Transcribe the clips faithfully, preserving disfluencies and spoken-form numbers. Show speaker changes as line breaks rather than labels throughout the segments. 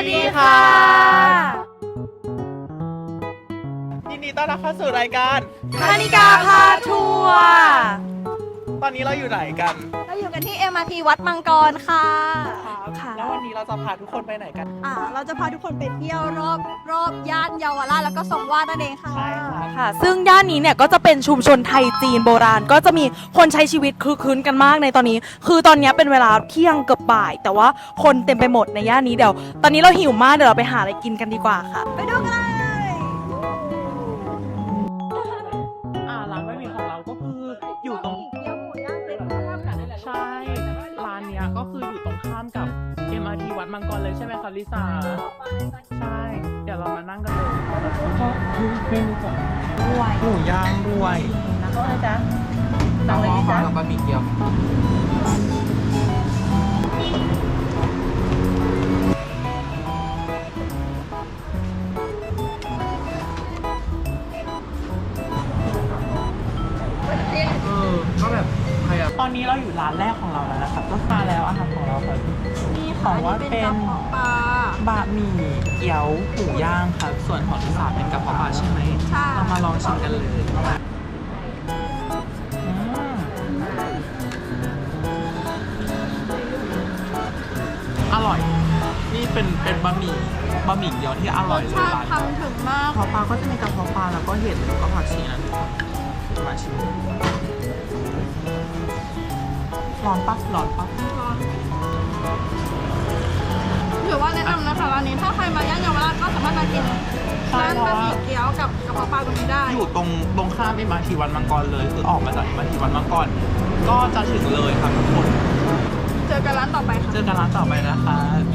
ดีค่ะ
ยินดีต้อนรับเข้าสู่รายการ
คณิกาพาทัวร์
ตอนนี้เราอยู่ไหนกัน
เราอยู่กันที่ เอ็ม อาร์ ที วัดมังกรค่ะค่ะ
แล้ววันนี้เราจะพาทุกคนไปไหนกัน
อ่าเราจะพาทุกคนไปเที่ยวรอบรอบย่านเยาวราชแล้วก็ทรงวาดนั่นเองค่ะ
ใช่ค่ะ
ค่ะซึ่งย่านนี้เนี่ยก็จะเป็นชุมชนไทยจีนโบราณก็จะมีคนใช้ชีวิตคลึกคลื้นกันมากในตอนนี้ คือตอนนี้เป็นเวลาเที่ยงเกือบบ่าย แต่ว่าคนเต็มไปหมดในย่านนี้เดี๋ยวตอนนี้เราหิวมากเดี๋ยวเราไปหาอะไรกินกันดีกว่าค่ะ
ไปดูกันเลย
อ่าร้านบะหมี่ของเราก็คืออยู่ตรง
เกี๊ยวหมูย่างเล็กข้ามกันได้เลย
ใช่ ร้านเนี้ยก็คืออยู่ตรงข้ามกับ เอ็ม อาร์ ที วัดมังกรเลยใช่ไหมคะลิซ่าใช่ เดี๋ยวเรามานั่งกันเลยก็คือเมนูของหมูย่างด้วยนะจ๊ะสั่งเลยจ้ะกับบะหมี่เกี๊ยวเออก็แบบใครอะตอนนี้เราอยู่ร้านแรกของเราแล้วนะครับก็มาแล้วอาหารของเราครับ
นี่
ข
ค่ะ
องว่า
นี่
เป็น
กระเพาะปลา
บะหมี่เกี๊ยวหมูย่างครับ ส่วนของที่สามเป็นกระเพาะปลาใช่ไหม
ใช่
เรามาลองชิมกันเลยอืมอร่อย นี่เป็นเป็นบะหมี่บะหมี่เกี๊ยวที่อ
ร
ร่อย
ส
เลย
ชาติ
ร้าน
ทำถึงมาก
กระเพาะปลาก็จะมีกระเพาะปลาแล้วก็เห็ดแล้วก็ผักชีนะมาชิมร้อนปั๊บร้อนปั๊บ
ถือว่าแนะนำนะคะร้านนี้ถ้าใครมาย่านเยาวราชก็สามารถมากิน
ใช่
ร้าน
เพ
บะ
ราะ
ห
ว่า
มี่เกี๊ยวกับกระเพาะปลาตรงนี้ได้
อยู่ตรงตรงข้ามเอ็มอาร์ทีวัดมังกรเลย คือออกมาจากเอ็มอาร์ทีวัดมังกรก็จะถึงเลยครับทุกคน
เจอกันร้านต่อไปค่ะ
เจอกันร้านต่อไปนะคะ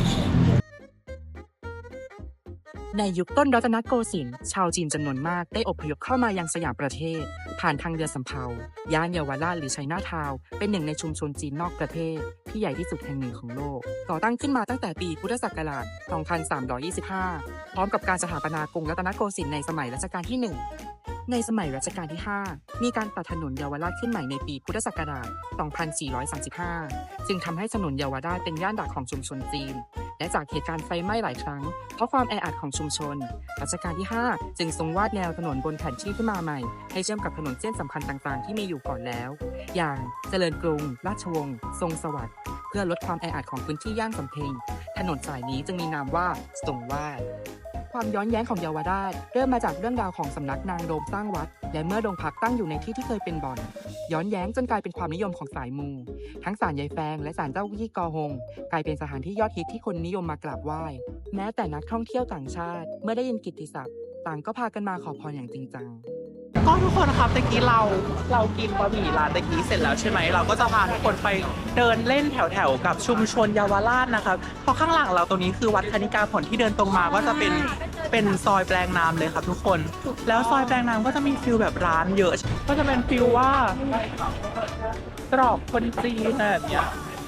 ในยุคต้นรัตนโกสินทร์ชาวจีนจำนวนมากได้อพยพเข้ามายังสยามประเทศ ผ่านทางเรือสำเภาย่านเยาวราชหรือไชน่าทาวน์เป็นหนึ่งในชุมชนจีนนอกประเทศ ที่ใหญ่ที่สุดแห่งหนึ่งของโลก ก่อตั้งขึ้นมาตั้งแต่ปีพุทธศักราช สองพันสามร้อยยี่สิบห้า พร้อมกับการสถาปนากรุงรัตนโกสินทร์ในสมัยรัชกาลที่ หนึ่ง ในสมัยรัชกาลที่ ห้า มีการตัดถนนเยาวราชขึ้นใหม่ในปีพุทธศักราช สองพันสี่ร้อยสามสิบห้า จึงทำให้ถนนเยาวราชเป็นย่านหลักของชุมชนจีน และจากเหตุการณ์ไฟไหม้หลายครั้ง เพราะความแออัดของชุมชน รัชกาลที่ ห้า จึงทรงวาดแนวถนนบนแผนที่ขึ้นมาใหม่ ให้เชื่อมกับถนนเส้นสำคัญต่างๆ ที่มีอยู่ก่อนแล้ว อย่างเจริญกรุง ราชวงศ์ ทรงสวัสดิ์ เพื่อลดความแออัดของพื้นที่ย่านสำเพ็ง ถนนสายนี้จึงมีนามว่าทรงวาด ความย้อนแย้งของเยาวราชเริ่มมาจากเรื่องราวของสำนักนางโดมสร้างวัด และเมื่อโรงพักตั้งอยู่ในที่ที่เคยเป็นบ่อน ย้อนแย้งจนกลายเป็นความนิยมของสายมู ทั้งศาลยายแฟงและศาลเจ้ายี่กอฮง กลายเป็นสถานที่ยอดฮิตที่คนนิยมมากราบไหว้ แม้แต่นักท่องเที่ยวต่างชาติ เมื่อได้ยินกิตติศัพท์ ต่างก็พากันมาขอพรอย่างจริงจัง
ก็ทุกคนครับตะกี้เราเรากินบะหมี่ร้านตะกี้เสร็จแล้วใช่ไหมเราก็จะพาทุกคนไปเดินเล่นแถวๆกับชุมชนเยาวราชนะครับเพราะข้างหลังเราตรงนี้คือวัดคณิกาผลที่เดินตรงมาก็จะเป็นเป็นซอยแปลงน้ำเลยครับทุกคน แล้วซอยแปลงน้ำก็จะมีฟิลแบบร้านเยอะ ก็จะเป็นฟิลว่าตรอกคนจีนแบบเนี้ย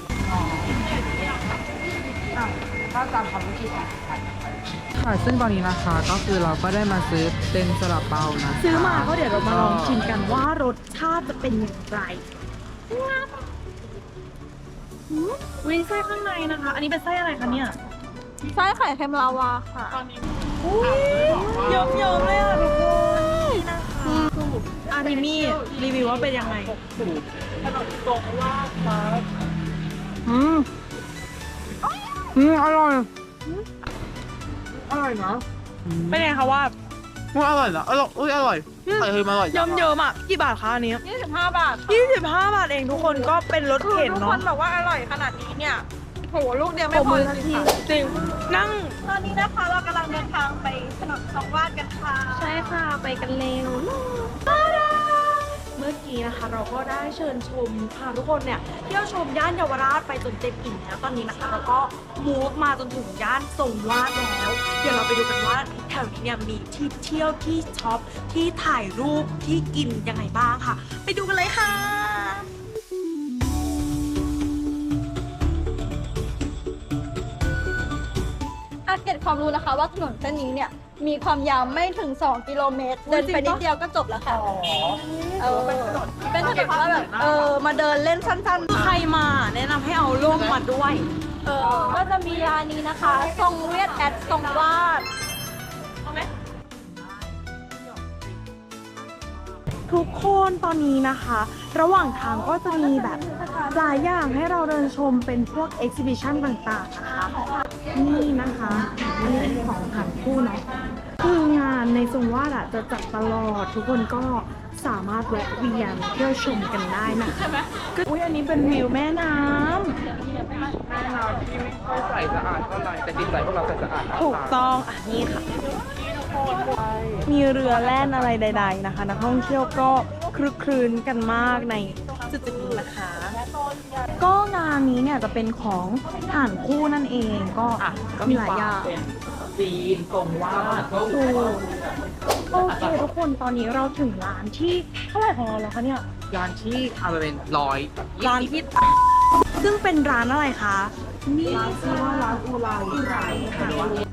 ค่ะซึ่งตอนนี้นะคะก็คือเราก็ได้มาซื้อเป็นซาลาเปานะ
ซื้อมาก็เดี๋ยวเรามาลองชิมกันว่ารสชาติจะเป็นอย่างไรวิไส้ข้างในนะคะ อันนี้เป็นไส้อะไรคะเนี่ย
ไส้ไข่เค็มลาวาค่ะ
ตอนนี้
เยิ้มๆเลยอ่ะทุกคนนี่นะคะสูตรอานิมี่รีวิวว่าเป็นยังไง
สูตรขนมตรงลาดครับ
อืม อืม อร่อย
อร่อยเนาะ
เป็นไงคะว่า
ว่าอร่อยนะอร่อยอุ้ยอร่อยไข่เค็มอร่อย
เยิ้มๆอ่ะกี่บาทคะอันนี้
ยี่สิบห้าบาทค่ะ
ยี่สิบห้าบาทเองทุกคนก็เป็นรถ
คือ
เข็น
ทุกค
เนาะ
นบอกว่าอร่อยขนาดนี้เนี่ยโหลูกเดียวไม่พอจริงค่ะ
จริงนั่ง
ตอนนี้นะคะเรากำลังเดินทางไปถนนทองวาดกันค่ะ
ใช่ค่ะไปกันเร็วเมื่อกี้นะคะเราก็ได้เชิญชมพาทุกคนเนี่ยเที่ยวชมย่านเยาวราชไปจนเต็มอิ่มแล้วตอนนี้นะคะเราก็มูฟมาจนถึงย่านทรงวาดแล้ว เดี๋ยวเราไปดูกันว่าแถวนี้เนี่ยมีที่เที่ยวที่ช็อปที่ถ่ายรูปที่กินยังไงบ้างค่ะ ไปดูกันเลยค่ะ
อาเก็ตความรู้นะคะว่าถนนเส้นนี้เนี่ยมีความยาวไม่ถึงสองกิโลเมตร เดินไปนิดเดียวก็จบแล้วค่ะเออเป็นถนนเป็นถนนว่าแบบเออมาเดินเล่นสั้นๆ
ใครมาแนะนำให้เอาร่มมาด้วย
เออก็จะมีร้านนี้นะคะทรงเวียดแอดทรงวาด
ทุกคนตอนนี้นะคะ ระหว่างทางก็จะมีแบบหลายอย่างให้เราเดินชมเป็นพวก exhibition ต่างๆนะคะนี่นะคะอันนี้เป็นของหันคู่เนาะคืองานในทรงวาดอะจะจัดตลอดทุกคนก็สามารถแวะเวียนเที่ยวชมกันได้นะคะอุ้ยอันนี้เป็นวิวแม่น้ำ
แม่น้ำที่ไม่ค่อยใสสะอาดเท่าไหร่แต่จิตใจพวกเราใสสะอาด
ถูกต้องอ่ะนี่ค่ะ มีเรือแล่นอะไรใด ๆ นะคะ นักท่องเที่ยวก็คลึกครื้นกันมากในจุดๆนี้นะคะ ก็งานนี้เนี่ยจะเป็นของฐานคู่นั่นเองก็
อ่ะก็
มี
มี
หลายอย่าง
เป็นจีนทรงวาด
ถูกโอเคทุกคนตอนนี้เราถึงร้านที่เท่าไหร่ของเราแล้วคะเนี่ย
ร้านที่เอาไปเป็นร้อย
ร้านที่ซึ่งเป็นร้านอะไรคะนี่
ร้านชื่อว่าร้านอูไรอูไรค่ะ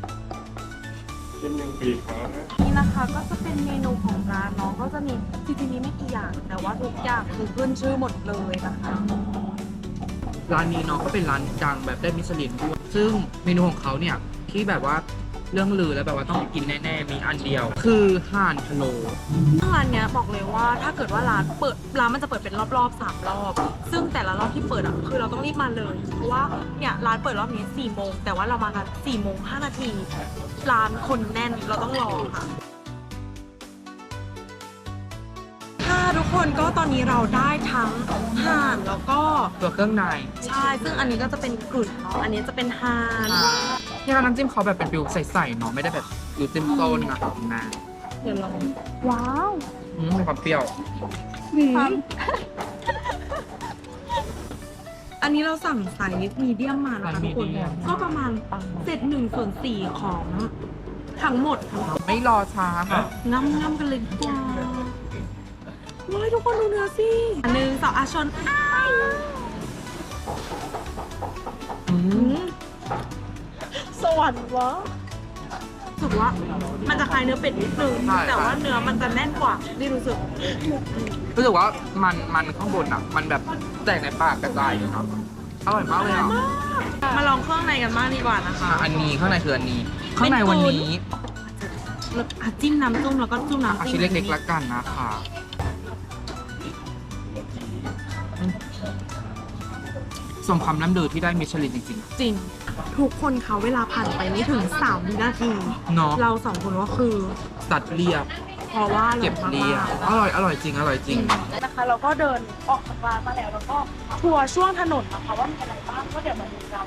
นี่นะคะก็จะเป็นเมนูของร้านเนาะก็จะมีจริงๆมีไม่กี่อย่างแต่ว่าทุกอย่างคือขึ้นชื่อหมดเลยนะคะ
ร้านนี้เนาะก็เป็นร้านดังแบบได้มิชลินด้วยซึ่งเมนูของเขาเนี่ยที่แบบว่าเรื่องลือแล้วแบบว่าต้องไปกินแน่ๆมีอันเดียว คือห่านพะโล้
ซึ่งร้านเนี้ยบอกเลยว่าถ้าเกิดว่าร้านเปิดร้านมันจะเปิดเป็นรอบๆสามรอบ ซึ่งแต่ละรอบที่เปิดอ่ะคือเราต้องรีบมาเลยเพราะว่าเนี่ยร้านเปิดรอบนี้สี่โมงแต่ว่าเรามากันสี่โมงห้านาทีร้านคนแน่นเราต้องรอค่ะค่ะทุกคนก็ตอนนี้เราได้ทั้งห่านแล้วก็
ตัวเครื่องใน
ใช่ซึ่งอันนี้ก็จะเป็นกลุ่นเนาะอันนี้จะเป็นห่าน
ที่ร้านน้ำจิ้มเขาแบบเป็นฟิวใสๆเนาะไม่ได้แบบอยู่เต็มต้นนะครับนะ
เดี๋ยวลองว้าว
อืมมีความเปรี้ยว
อันนี้เราสั่งไซส์มีเดียมมานะคะทุกคนก็ประมาณเศษหนึ่งส่วนสี่ของทั้งหมดค่ะ
ไม่รอช้าค่ะ
ง่ำง่ำกันเลยดีกว่าเฮ้ยทุกคนดูเนื้อสิอันหนึ่งสองอาชนอ้าย
อืม
สวรรค์วะรู้สึกว่ามันจะคล้ายเนื้อเป็ดนิดนึงแต่ว่าเนื้อมันจะแน่นกว่าที่รู้สึก
รู้สึกว่ามันมันข้างบนอ่ะ มันแบบแตกในปากกระจายอยู่เนาะอร่อยมากเลยอ่ะ
มาลองเครื่องในกันบ้างดีกว่านะคะ
อ่ะอันนี้ข้างในคืออันนี้ ข้างในวันนี้
แล้วอ่ะจิ้มน้ำจุ้มแล้วก็จุ้มน้ำ
เอา
จิ้ม
ชิ้นเล็กๆละกันนะคะอืมสมความน้ำลือที่ได้มิชลินจริง
จริง ทุกคนเขาเวลาผ่านไปไม่ถึงสามวินาที
ๆ เนาะ
เราสองคนก็คือ
ตัดเรียบ
เพราะว่า
เก็บเรียบ
มาก
อร่อย อร่อยจริง อร่อยจริง
ๆนะคะ เราก็เดินออกจากร้านมาแล้วแล้วก็ทัวร์ช่วงถนนนะคะว่ามีอะไรบ้างก็เดี๋ยวมาดูกัน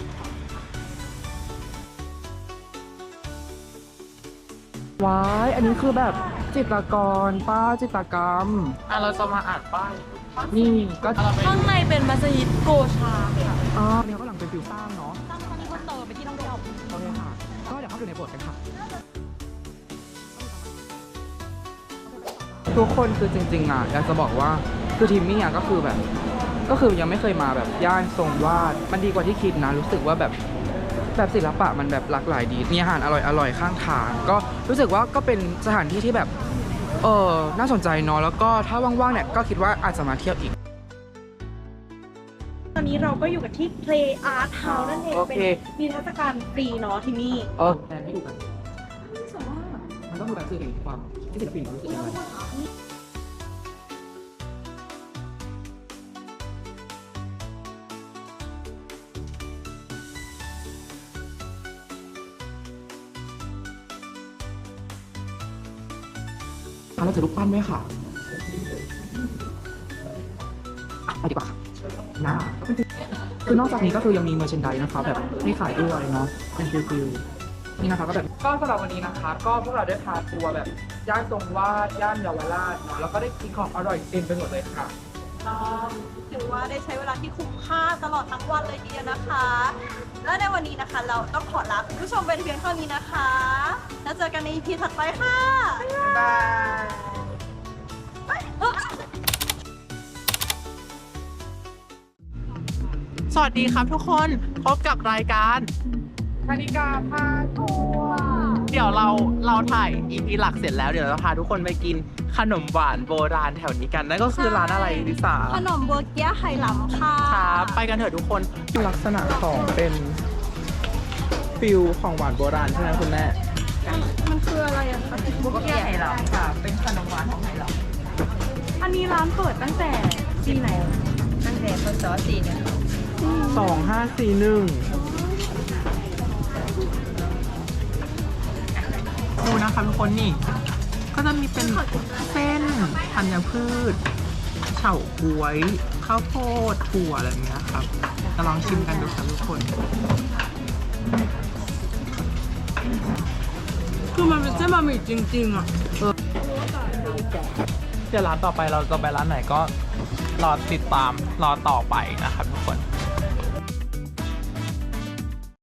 ว้าย อันนี้คือแบบจิตรกรป้าจิตรกรรม
อ่ะเราจะมาอ่านป้าย
นี่ก็
ข้างในเป็นมัสยิดโกชาค่ะ
อ๋อเนี่ยก็หลังเป็นฟิวสร้างเนาะ
ตั้งตอนนี้เพิ่มเติมไปที่ท่องเที่ยว
โอเคค่ะ ก็เดี๋ยวเข้าไปในโบสถ์กันค่ะ ทุกคนคือจริงๆอ่ะอยากจะบอกว่าคือทีมมี่อ่ะก็คือแบบ ก็คือยังไม่เคยมาแบบย่านทรงวาดมันดีกว่าที่คิดนะ รู้สึกว่าแบบแบบศิลปะมันแบบหลากหลายดี มีอาหารอร่อยอร่อยข้างทาง ก็รู้สึกว่าก็เป็นสถานที่ที่แบบเออน่าสนใจเนาะแล้วก็ถ้าว่างๆเนี่ยก็คิดว่าอาจจะมาเที่ยวอีก
ตอนนี้เราก็อยู่กันที่ Play Art House นั่นเอง
โอ
เป็
เค
นมีเทรรศกาลฟรีเนาะที่นี่
เออแต่ไม่ดูกันมันต้องดูแบบสื่อถึงความที่ศิลปินรู้สึกยังไงเราจะรูปปั้นไหมค่ะอ่ะไปดีกว่าค่ะนะคือนอกจากนี้ก็คือยังมีเมอร์เชนไดนะคะแบบให้ขายด้วยเนาะเป็นฟิลๆนี่นะคะก็แบบก็สำหรับวันนี้นะคะ ก็พวกเราได้พาทัวร์แบบย่านทรงวาดย่านเยาวราชเนาะแล้วก็ได้กินของอร่อยเต็มไปหมดเลยค่ะ
ถือว่าได้ใช้เวลาที่คุ้มค่าตลอดทั้งวันเลยทีเดียวนะคะ และในวันนี้นะคะเราต้องขอลาคุณผู้ชมไปเพียงเท่านี้นะคะ แล้วเจอกันใน อี พี ถัดไปค่ะ
บาย
สวัสดีครับทุกคนพบกับรายการ
คณิกาพาทัวร์
เดี๋ยวเราเราถ่าย อี พี หลักเสร็จแล้วเดี๋ยวเราพาทุกคนไปกินขนมหวานโบราณแถวนี้กันนั่นก็คือร้านอะไรลิซ่า
ขนมเบอร์เกียไฮลัมค่ะ
ครับไปกันเถอะทุกคนลักษณะของเป็นฟิลของหวานโบราณใช่ไหมคุณแม่
มันคืออะไรอะคะ
บุกเกี้ยไหหลำค่ะ เป็นขนมหวานของไหหลำอันนี้ร้านเปิดตั้งแต่ปีไหนอะ
ตั้งแต่พศสี่เนี่ย
สองห้าสี่หนึ่งดูนะคะทุกคนนี่ ก็จะมีเป็นเส้นธัญพืช เฉาก๊วย ข้าวโพดถั่วอะไรอย่างเงี้ยครับจะลองชิมกันดูครับทุกคน
คือมันเป็นเส้นบะหมี่จริงๆอ่ะ
เดี๋ยวร้านต่อไปเราจะไปร้านไหนก็รอติดตามรอต่อไปนะครับ